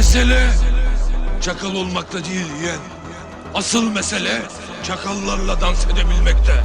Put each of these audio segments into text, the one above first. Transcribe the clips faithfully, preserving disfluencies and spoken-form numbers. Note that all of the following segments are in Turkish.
Mesele çakal olmakta değil yeğen. Asıl mesele çakallarla dans edebilmekte.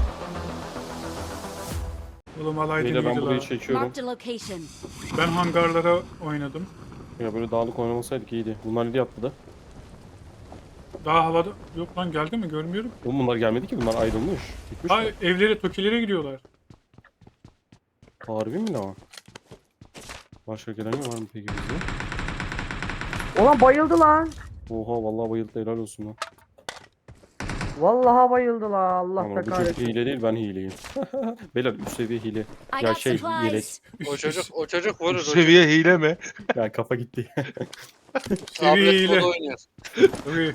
Oğlum alaydı Beyler ben mıydı burayı la? çekiyorum. Marked a location. Ben hangarlara oynadım. Ya böyle dağlık oynamasaydık iyiydi. Bunlar nereye atladı? Daha havada... Yok lan geldi mi görmüyorum. Oğlum bunlar gelmedi ki, bunlar ayrılmış. Gitmiş Ha mi? evlere, tokilere gidiyorlar. Harbi mi lan? Başka gelen var mı peki bizde? Ulan bayıldı lan. Oha vallahi bayıldı, helal olsun lan. Vallahi bayıldı la. Allah Ama da bu çocuk kahretsin. hile değil, ben hileyim. Beyler üst seviye hile. I Ya got şey yelek. supplies. O çocuk o çocuk vurur. Üst seviye hile mi? Ya kafa gitti. Seviyeyle. Tablet oynuyor. Tabii.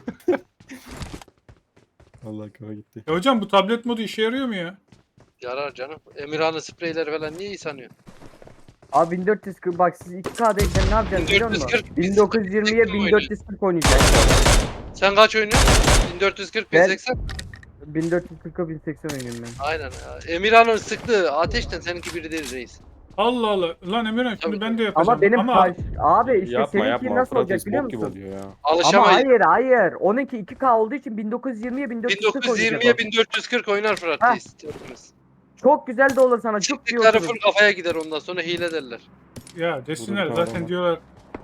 Allah kafa gitti. Ya hocam bu tablet modu işe yarıyor mu ya? Yarar canım. Emirhan'ın spreyleri falan niye iyi sanıyor? Abi bin dört yüz kırk bak siz iki K'dayken ne yapacaksınız biliyor musun? bin dört yüz kırk, bin dokuz yüz yirmiye bin dört yüz kırk oynayacak. Sen kaç oynuyorsun? bin dört yüz kırk, bin Ben- seksen. bin dört yüz kırka bin seksen oynuyorum ben. Aynen ya. Emirhan'ın sıktığı ateşten seninki biri değil reis. Allah Allah. Lan Emirhan şimdi Tabii. ben de yapacağım. Ama benim Ama baş... abi işte yapma seninki yapma. nasıl olacak Frates biliyor bok gibi musun? oluyor ya. Ama Alışamayız. hayır hayır. Onunki iki K olduğu için bin dokuz yüz yirmiye bin dört yüz kırk bin dokuz yüz oynayacak yirmiye o. bin dört yüz kırk oynar Fırat Heh. reis. Hepimiz. Çok güzel de olur sana. Çok iyi Çıktıkları oturur. full kafaya gider ondan sonra hile derler. ya desinler Vurun zaten tamam. diyorlar.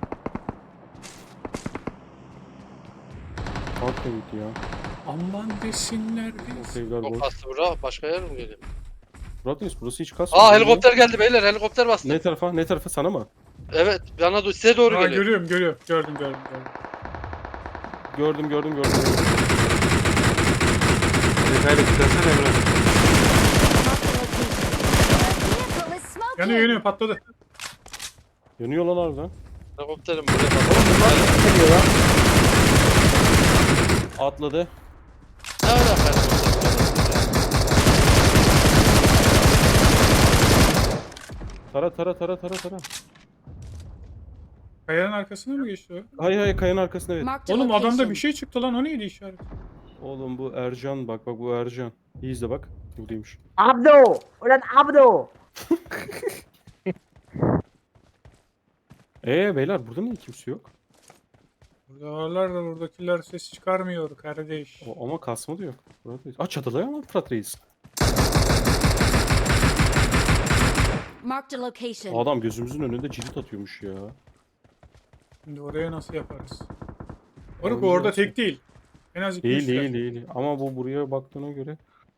Kalk da gitti ya. Aman desinler O biz. sevgiler O boş. kastı bura başka yer mi geliyor? Frates burası hiç kasmıyor. Aa helikopter geldi beyler, helikopter bastı. Ne tarafa? Ne tarafa, sana mı? Evet bana do- size doğru Ha, geliyor. görüyorum görüyorum. Gördüm gördüm gördüm. Gördüm gördüm gördüm. Detaylı bitirsene Emre. Marked a location. The vehicle is smoking. Yanıyor yanıyor patladı. Yanıyor lan harbiden. Helikopterim buraya bak. Geliyor lan. Atladı. Ne alaka helikopter? Tara tara tara tara tara. Kayanın arkasına mı geçti o? Hayır hayır, kayanın arkasında evet. Marked a Oğlum adamda location. bir şey çıktı lan, o neydi işaret? Oğlum bu Ercan, bak bak bu Ercan. İyi izle bak. Buradaymış. Abdo. Ulan Abdo. Eee beyler burada niye kimse yok? Burada varlar da buradakiler ses çıkarmıyor kardeş. O, ama kasma da yok. Fırat Reis. Aa çatıda ya Fırat Reis. Marked a location. Adam gözümüzün önünde cirit atıyormuş ya. Şimdi oraya nasıl yaparız? Orada Orada orada nasıl? tek değil. En az iki Değil üç değil yer. değil. Ama bu buraya baktığına göre.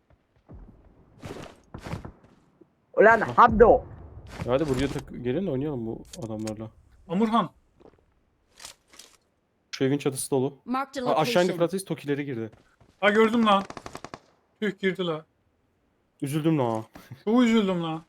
Ulan Abdo. Hadi buraya tak gelin de oynayalım bu adamlarla. Amurhan. Şu evin çatısı dolu. Marked a Aa, aşağı indi location. Fırat Reis, Tokileri girdi. Ha gördüm lan. Tüh girdi la. Üzüldüm lan. Çok üzüldüm lan.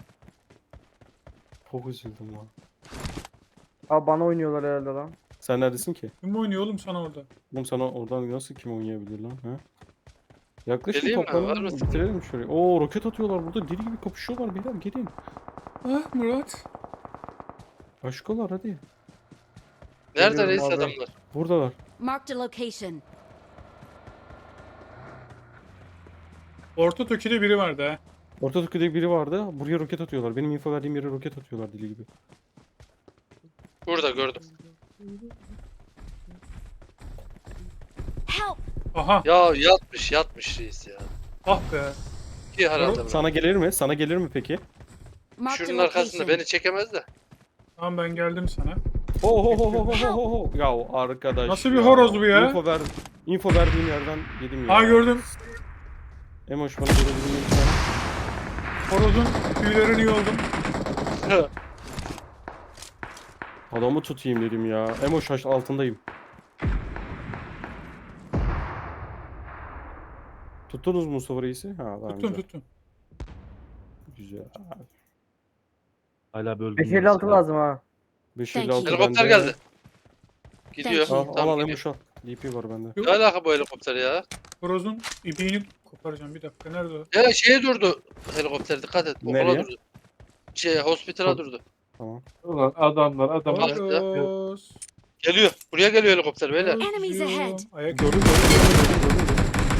Çok üzüldüm lan. Abi bana oynuyorlar herhalde lan. Sen neredesin ki? Kim oynuyor oğlum sana orada? Oğlum sana oradan nasıl kim oynayabilir lan? Ha? Yaklaşın Geleyim mi? Var toplanalım, mısın? bitirelim şurayı. Oo roket atıyorlar burada, deli gibi kapışıyorlar beyler, gelin. Ah Murat. Aşkolar hadi. Nerede Geliyorum reis abi. adamlar? Buradalar. Marked a location. Orta Toki'de biri vardı ha. Orta Türkiye'de biri vardı. Buraya roket atıyorlar. Benim info verdiğim yere roket atıyorlar deli gibi. Burada gördüm. Help! Aha. Ya yatmış yatmış reis ya. Ah be. İki herhalde. Sana gelir mi? Sana gelir mi peki? Marked a Şunun arkasında location. beni çekemez de. Tamam ben geldim sana. Ho ho ho ho ho ho ho. Ya arkadaş. Nasıl bir ya. horoz bu ya? Info ver. Info verdiğim yerden yedim ya. Ha gördüm. Emoş bana gelebilir miyim sen? Horozun tüylerini yoldum. Adamı tutayım dedim ya. Emoş haş altındayım. Tuttunuz mu Mustafa Reis'i? Ha, daha Tuttum güzel. tuttum. Güzel. Hala bölgün. beş elli altı lazım ha. beş Thank elli altı you. Helikopter bende. geldi. Gidiyor. Thank Al you. al, Tamam, al gidiyor. Emoş al. D P var bende. Ne alaka bu helikopter ya? Horozun ibiğini koparacağım bir dakika. Nerede o? Ya şeye durdu helikopter, dikkat et. Okula Nereye? durdu. Şey hospitala Hop. durdu. Tamam. Ulan adamlar adamlar. Bak. Horoz. Geliyor. Buraya geliyor helikopter beyler. Horoz Enemies diyorum. ahead. Ayak Gördüm gördüm gördüm gördüm. gördüm.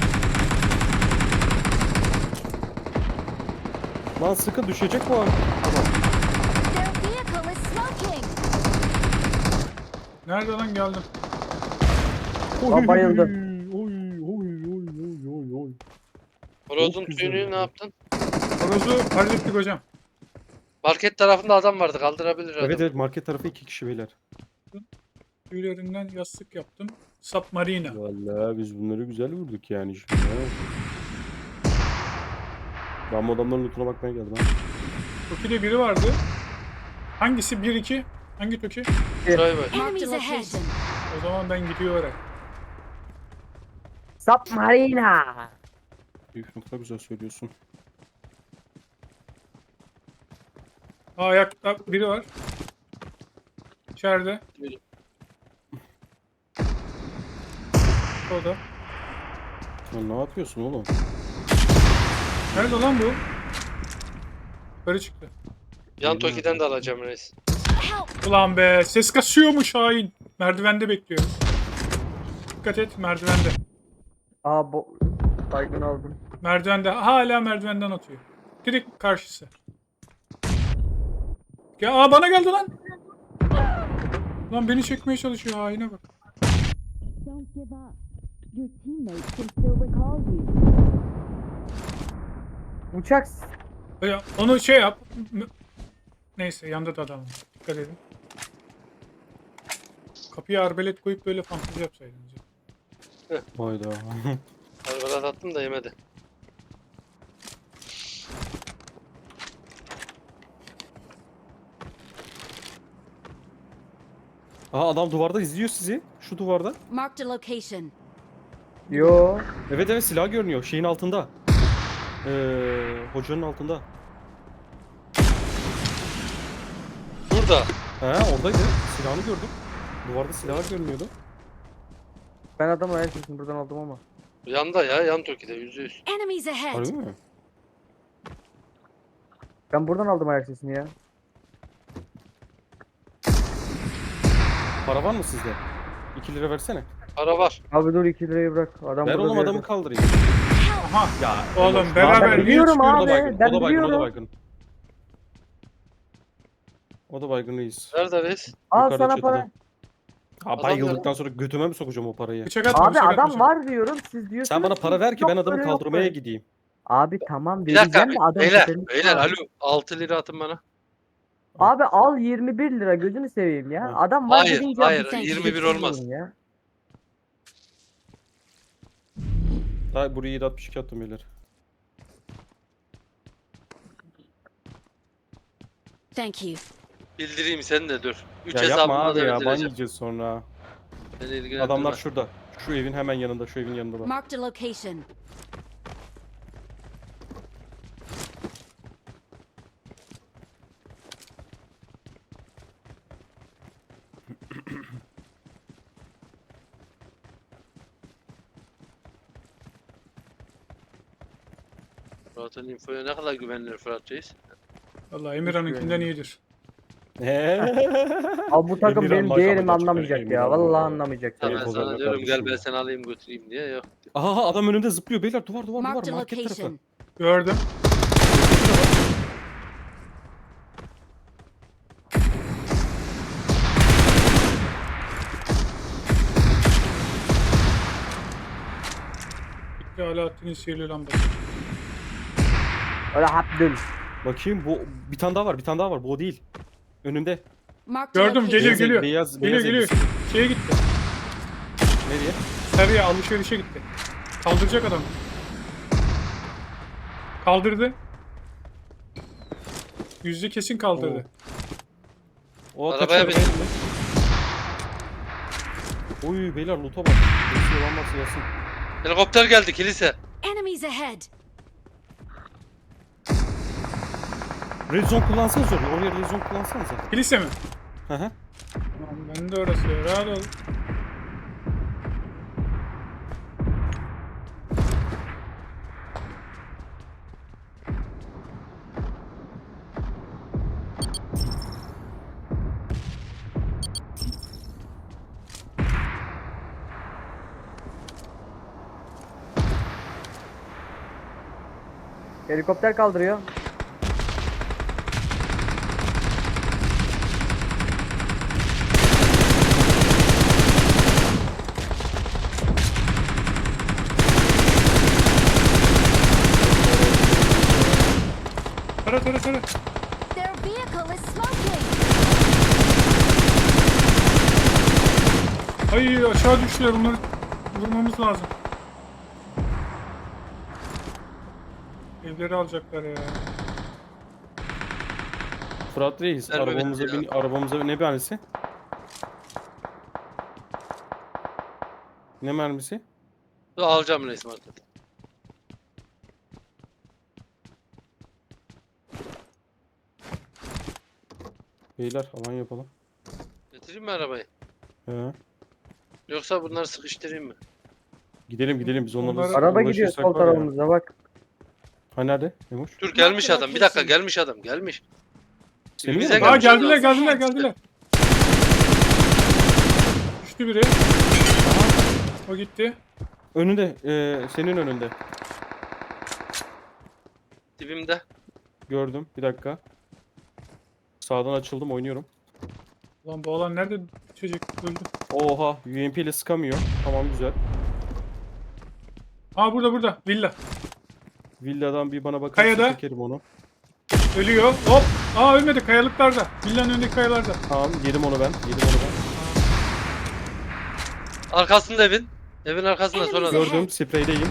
Lan sıkı düşecek bu an. Tamam. Their vehicle is smoking. Nerede lan geldim. Lan bayıldı. Oy oy oy oy oy oy. Horozun Çok güzel tüyünü ne ya. yaptın? Horozu hallettik hocam. Market tarafında adam vardı, kaldırabilir adam. Evet evet market tarafı iki kişi beyler. Tüylerinden yastık yaptım. Submarina. Vallahi biz bunları güzel vurduk yani şimdi. ha. Ben bu adamların lootuna bakmaya geldim ha. Toki'de biri vardı. Hangisi? bir iki. Hangi Toki? Şuraya bak. Enemies ahead. O zaman ben gidiyorum. Submarina. Büyük nokta güzel söylüyorsun. Aa, ayakta biri var. İçeride. Biri. O da. Lan ne yapıyorsun oğlum? Nerede lan bu? Yukarı çıktı. Yan Toki'den de alacağım reis. Help! Ulan be, ses kasıyormuş hain. Merdivende bekliyor. Dikkat et, merdivende. Aa bu baygın aldım. Merdivende, hala merdivenden atıyor. Direkt karşısı. Ya aa, bana geldi lan. Lan beni çekmeye çalışıyor, haine bak. Don't give up. Your teammates can still recall you. Uçak. Ya, onu şey yap. M- Neyse, yanda da adam var. Dikkat edin. Kapıya arbelet koyup böyle fantezi yapsaydınız. Hayda. Arbalat attım da yemedi. Aa adam duvarda izliyor sizi. Şu duvarda. Marked a location. Yo. Evet evet silah görünüyor. Şeyin altında. Ee, hocanın altında. Burada. He oradaydı. Silahını gördüm. Duvarda silahlar görünüyordu. Ben adamı ayak sesini buradan aldım ama. Yanda ya, yan Toki'de yüzde yüz. Enemies ahead. Harbi mi? Ben buradan aldım ayak sesini ya. Para var mı sizde? iki lira versene. Para var. Abi dur iki lirayı bırak. Adam Ver burada oğlum bir adamı yerde. kaldırayım. Aha, Ya oğlum Emoş, beraber ben niye biliyorum çıkıyoruz? O da abi. baygın. Ben O da baygın. O da biliyorum. baygın. O da baygın reis. Nerede reis? Al Yukarıda sana çatıda. para. Ha bayıldıktan sonra götüme mi sokacağım o parayı? Bıçak atma, Abi bıçak atma, adam bıçak. var diyorum. Siz diyorsunuz. Sen bana ki para ver ki yok ben adamı böyle, yok kaldırmaya böyle. gideyim. Abi tamam Bir dakika. vereceğim de adam Beyler, tepeniz beyler var. alo. altı lira atın bana. Abi al yirmi bir lira gözünü seveyim ya. Hı. Adam var Hayır, dedince hayır, bıçak yirmi bir geçiyorum olmaz. Ya. Daha buraya yedi altmış iki attım beyler. Thank you. Bildireyim sen de dur. üç Ya yapma hesabımda abi da ya ban bildireceğim. yiyeceğiz sonra. Beni ilgilendirmez. Adamlar şurada. Şu evin hemen yanında. Şu evin yanında. Marked a location. Fırat'ın infoya ne kadar güvenilir Fırat Reis? Vallahi Emirhan'ınkinden iyidir. Abi bu takım Emirhan benim maşallah değerimi çıkar, anlamayacak ya. Emirhan Vallahi vallahi. anlamayacak Sana, ya. Evet, sana Ozan'la diyorum gel kardeşim ben ya. seni alayım götüreyim diye yok. Aha adam önümde zıplıyor beyler. Duvar duvar duvar. Marked a Market tarafı. location. Gördüm. Bitti Alaaddin'in sihirli lambası. Öyle Abdül. Bakayım bu bir tane daha var. Bir tane daha var. Bu o değil. Önümde. Marked a Gördüm, location. geliyor, Beyaz- geliyor. Beyaz, Geliyor beyaz geliyor. elbise. Şeye gitti. Nereye? Sarıya alışverişe gitti. Kaldıracak adam. Kaldırdı. Yüzde kesin kaldırdı. O Arabaya kaçıyor. bin. Oy beyler loot'a bak. Birisi olan varsa gelsin. Helikopter geldi kilise. Enemies ahead. Red zone kullansanız oraya. Oraya red zone kullansanız. Kilise mi? Hı hı. Tamam, ben de orası ya. Rahat ol. Helikopter kaldırıyor. tara tara. Their vehicle is smoking. Ay aşağı düştüler, bunları vurmamız lazım. Evleri alacaklar ya. Fırat Reis Verme arabamıza bitti ya. bin, arabamıza ne mermisi? Ne mermisi? Dur, alacağım reis market. Beyler alan yapalım. Getireyim mi arabayı? He. Yoksa bunları sıkıştırayım mı? Gidelim gidelim biz onlarla Onlara- Araba gidiyor uğraşırsak sol var ya. tarafımızda bak. Ha nerede? Nemuş? Dur gelmiş adam. Bir dakika gelmiş adam. Gelmiş. Senin Bize mi? Aa gelmiş geldiler adam. geldiler geldiler. Düştü biri. O gitti. Önünde. eee, senin önünde. Dibimde. Gördüm. Bir dakika. Sağdan açıldım oynuyorum. Lan bu alan nerede düşecek? Öldü. Oha. U M P ile sıkamıyor. Tamam güzel. Aa burada burada. Villa. Villadan bir bana bakarsa Kayada. çekerim onu. Ölüyor. Hop. Aa ölmedi. Kayalıklarda. Villanın önündeki kayalarda. Tamam yedim onu ben. Yedim onu ben. Arkasında evin. Evin arkasında sonra adam. Gördüm. Spreydeyim.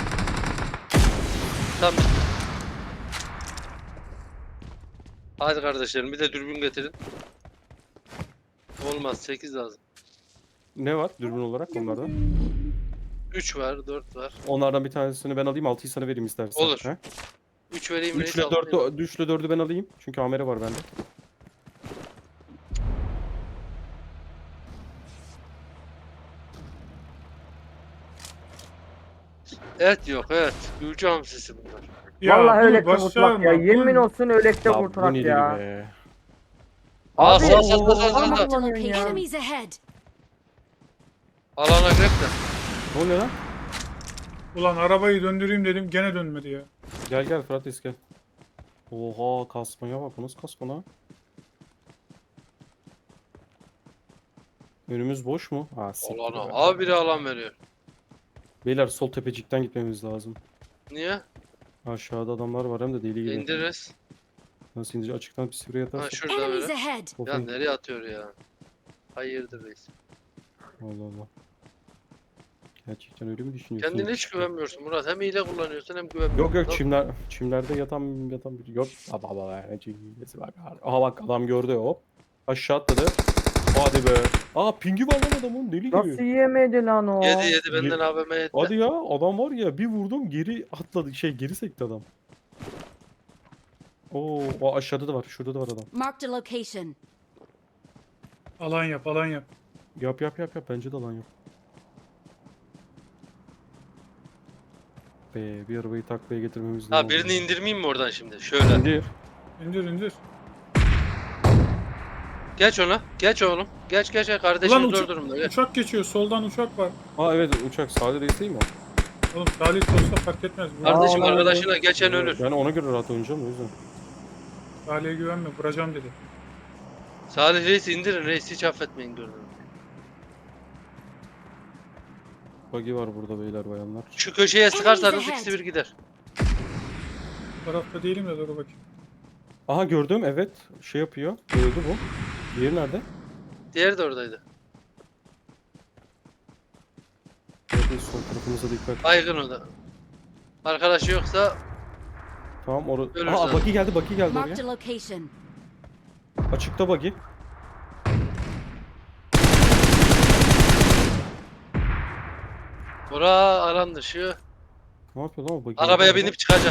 Tamam. Hadi kardeşlerim bir de dürbün getirin. Olmaz sekiz lazım. Ne var dürbün olarak onlarda? üç var, dört var. Onlardan bir tanesini ben alayım. altıyı sana vereyim istersen. Olur. He? üç vereyim üç reis. ile alayım. dördü, üç ile dördü ben alayım. Çünkü amere var bende. Et yok evet. Gülcü hamsisi bunlar. Ya Vallahi bunu öyle başarma, kurtulak ya. Yemin bunu- olsun öylekte Ya bu kurtulak nedir ya. be? Aa Abi, sağ sağ sağ sağ Allah'ım sağ. Marked a Allah'ım ya. location. Enemies ahead. Alana grep de. Ne oluyor lan? Ulan arabayı döndüreyim dedim gene dönmedi ya. Gel gel Fırat Reis gel. Oha kasmaya bak. Bu nasıl kasma lan? Önümüz boş mu? Ha, siktir Alana. be. Abi biri alan veriyor. Beyler sol tepecikten gitmemiz lazım. Niye? Aşağıda adamlar var hem de deli gibi. İndiririz. Nasıl indirici? Açıktan bir sivri Ha yatarsak. şurada Enemies böyle. ahead. Of, Ya nereye atıyor ya? Hayırdır reis. Allah Allah. Gerçekten öyle mi düşünüyorsun? Kendine hiç güvenmiyorsun Murat. Hem hile kullanıyorsun hem güvenmiyorsun. Yok yok Tamam. çimler çimlerde yatan yatan bir yok. Baba baba ne çimlesi bak. Aha bak adam gördü hop. Aşağı atladı. Hadi be. Aa pingi var lan adamın deli gibi. Nasıl yemedi lan o? Yedi yedi benden A V M yedi. Hadi ya adam var ya bir vurdum geri atladı şey geri sekti adam. Oo o aşağıda da var şurada da var adam. Marked a location. Alan yap alan yap. Yap yap yap yap bence de lan yap. Be bir arabayı taklaya getirmemiz lazım. Ha birini indirmeyeyim mi oradan şimdi? Şöyle. İndir. İndir indir. Geç ona. Geç oğlum. Geç geç. Ulan Kardeşim zor uça- durumda. Geç. uçak geçiyor. Soldan uçak var. Aa evet uçak sağda reis değil mi o? Oğlum Salih olsa fark etmez. Bu Kardeşim Aa, arkadaşına geçen ölür. Ben ona göre rahat oynayacağım o yüzden. Salih'e güvenme. Vuracağım dedi. Salih reis indirin reis hiç affetmeyin gördüm. Buggy var burada beyler bayanlar. Şu köşeye sıkarsanız Enemies ikisi bir gider. Bu tarafta değilim de dur bakayım. Aha gördüm evet şey yapıyor. Öldü bu. Diğeri nerede? Diğeri de oradaydı. Evet sol tarafımıza dikkat. Baygın o da. Arkadaşı yoksa Tamam orada. Ölür Aa zaten. buggy geldi buggy geldi Marked oraya. a location. Açıkta buggy. bura alan dışı. Ne yapıyor lan o buggy? Arabaya Araba- binip çıkacak.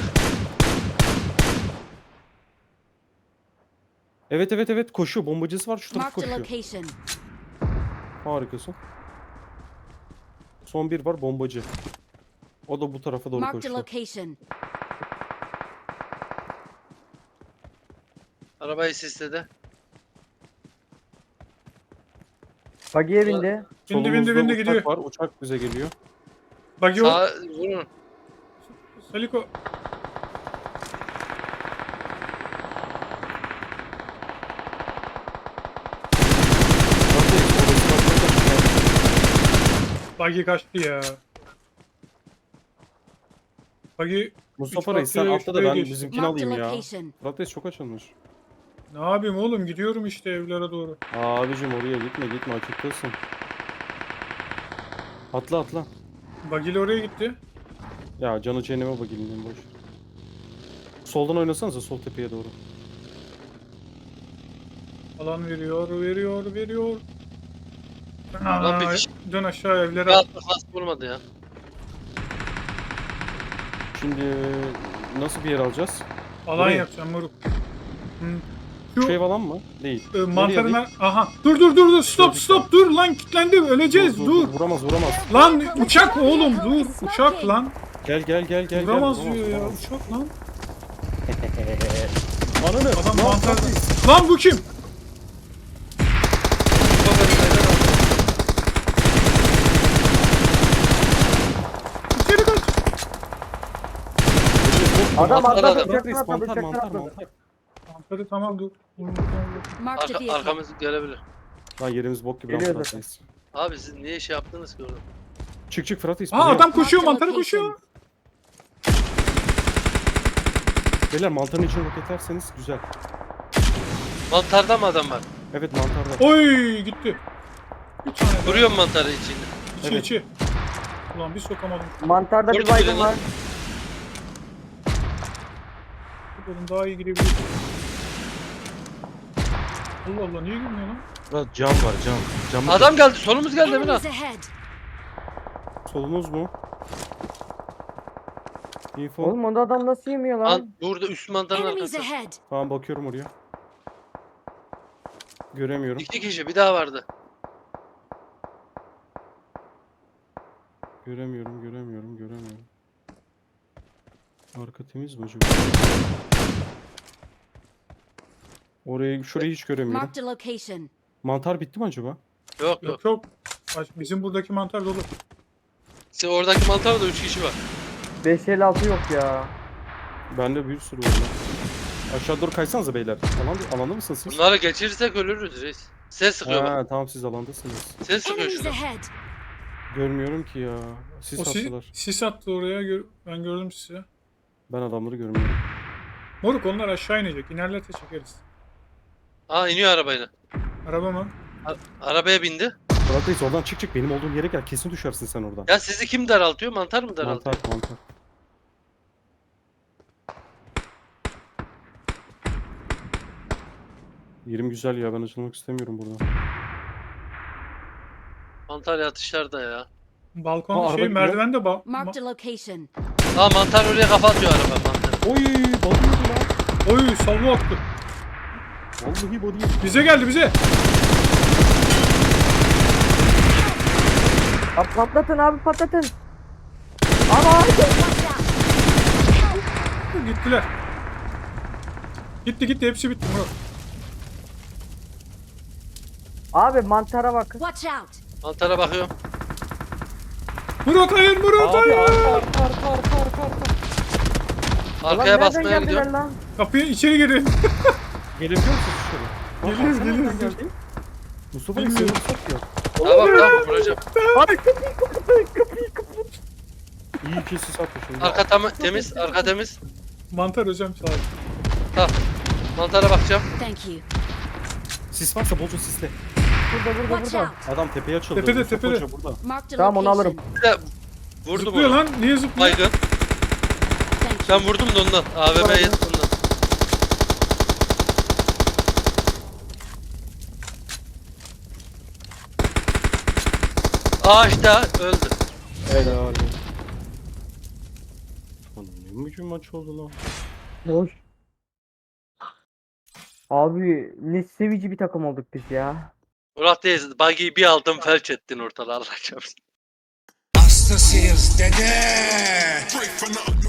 Evet evet evet koşuyor bombacısı var şu tarafa Marked a koşuyor. location. Harikasın. Son bir var bombacı. O da bu tarafa doğru Marked a koşuyor. location. Arabayı sisledi. Buggy'e bindi. Bindi Solumuzda bindi bindi uçak gidiyor. var uçak bize geliyor. Bak yok. Sağ vurun. Saliko. Buggy kaçtı ya. Buggy Mustafa Üç Reis sen farklı atla da şuraya ben geç. bizimkini Marked a alayım ya. location. Fırat Reis çok açılmış. Ne yapayım oğlum, gidiyorum işte evlere doğru. Abicim oraya gitme gitme açıktasın. Atla atla. Bagil oraya gitti. Ya canı cehenneme bakayım boş. Soldan oynasanıza sol tepeye doğru. Alan veriyor, veriyor, veriyor. Lan bir Aa, kişi- dön aşağı evlere. Ya nasıl vurmadı ya? Şimdi nasıl bir yer alacağız? Alan buraya. yapacağım moruk. Hı. Şu Şu ev alan mı? Değil. e, Nereye mantarına... alayım? Aha. Dur dur dur dur. Stop Gördük stop dur lan, kilitlendi. Öleceğiz Dur, dur. dur, dur. Vuramaz vuramaz. Lan uçak oğlum dur. Uçak lan. Gel gel gel gel. Vuramaz gel. diyor ya. vuramaz. Uçak lan. Ananı. Adam lan mantar. Fırat Reis. Lan bu kim? İçeri kaç. Adam Mantar atladı. adam. Fırat Reis Uçaktan atladı. mantar Uçaktan mantar atladı. mantar. Mantarı tamam dur. Marked a Arka, vehicle. arkamız gelebilir. Lan yerimiz bok gibi lan Geliyor Fırat zaten. Reis. Abi siz niye şey yaptınız ki orada? Çık çık Fırat Reis. Aa buraya. adam koşuyor, Marked mantara location. koşuyor. Beyler mantarın içine roketlerseniz güzel. Mantarda mı adam var? Evet mantarda. Oy gitti. Bir tane daha. Vuruyorum mantarı içinde. İçi Evet. içi. Ulan bir sokamadım. Mantarda bir Vurdu baygın birini. var. Oğlum daha iyi girebilir. Allah Allah niye girmiyor lan? Lan cam var cam. Camı Adam geldi, solumuz geldi Emine. Enemies ahead. Solunuz mu? Info. Oğlum onda adam nasıl yemiyor lan? Lan burada üst mantarın Enemies arkası. ahead. Tamam bakıyorum oraya. Göremiyorum. İki kişi bir daha vardı. Göremiyorum, göremiyorum, göremiyorum. Arka temiz mi acaba? Orayı, şurayı hiç göremiyorum. Marked a location. Mantar bitti mi acaba? Yok yok. Yok yok. Baş- Bizim buradaki mantar dolu. Sen oradaki mantarda da üç kişi var. beş elli altı yok ya. Bende bir sürü var lan. Aşağı doğru kaysanıza beyler. Alan, alanda mısınız siz? Bunları geçirirsek ölürüz reis. Ses sıkıyor bak. Ha, tamam siz alandasınız. Ses sıkıyor Enemies şurada. ahead. Görmüyorum ki ya. Siz O sis, attılar. sis attı oraya. gör- Ben gördüm sizi. Ben adamları görmüyorum. Moruk onlar aşağı inecek. İnerlerse çekeriz. Aa iniyor arabayla. Araba mı? A- arabaya bindi. Fırat Reis oradan çık çık benim olduğum yere gel. Kesin düşersin sen oradan. Ya sizi kim daraltıyor? Mantar mı daraltıyor? Mantar, mantar. Yerim güzel ya ben açılmak istemiyorum burada. Mantar yatışlarda ya. Balkon Aa, araba şey gidiyor. merdivende bal. Marked Ma- a location. Aa mantar oraya kafa atıyor araba mantar. Oy balıydı lan. Oy salvo attı. Vallahi balıydı. Bize geldi bize. Abi patlatın abi patlatın. Ama Gittiler. Gitti gitti hepsi bitti Murat. abi mantara bak. Watch out. Mantara bakıyorum. Murat hayır Murat Abi hayır. arka arka arka arka arka arka. Ulan Arkaya nereden basmaya geldiler gidiyorum. lan? Kapıya içeri girin. Gelebiliyor musunuz dışarı? Geliyoruz, Sen nereden geliyoruz. geldin? Mustafa Reis Bilmiyorum. seni sak ya. Tamam tamam vuracağım. Abi kapıyı kapıyı kapıyı kapıyı. İyi ki siz atmışsınız. Arka tam temiz, arka temiz. Mantar hocam sağ ol. Tamam. Mantara bakacağım. Thank you. Sis varsa bolca sisle. Burada burada Watch burada. out. Adam tepeye açıldı. Tepede, Mustafa tepede. Hoca burada. Marked a Tamam, onu location. alırım. Bir de vurdum Zıplıyor onu. lan. Niye zıplıyor? Baygın. Thank Ben you. vurdum da ondan. A V M yetti ondan. Ağaçta öldü. Helal. Lan ne mücüm maç oldu lan. Hoş. Abi ne sevici bir takım olduk biz ya. Murat Reis, buggy'yi bir aldım felç ettin ortalığı Allah çarpsın. Hastasıyız dede.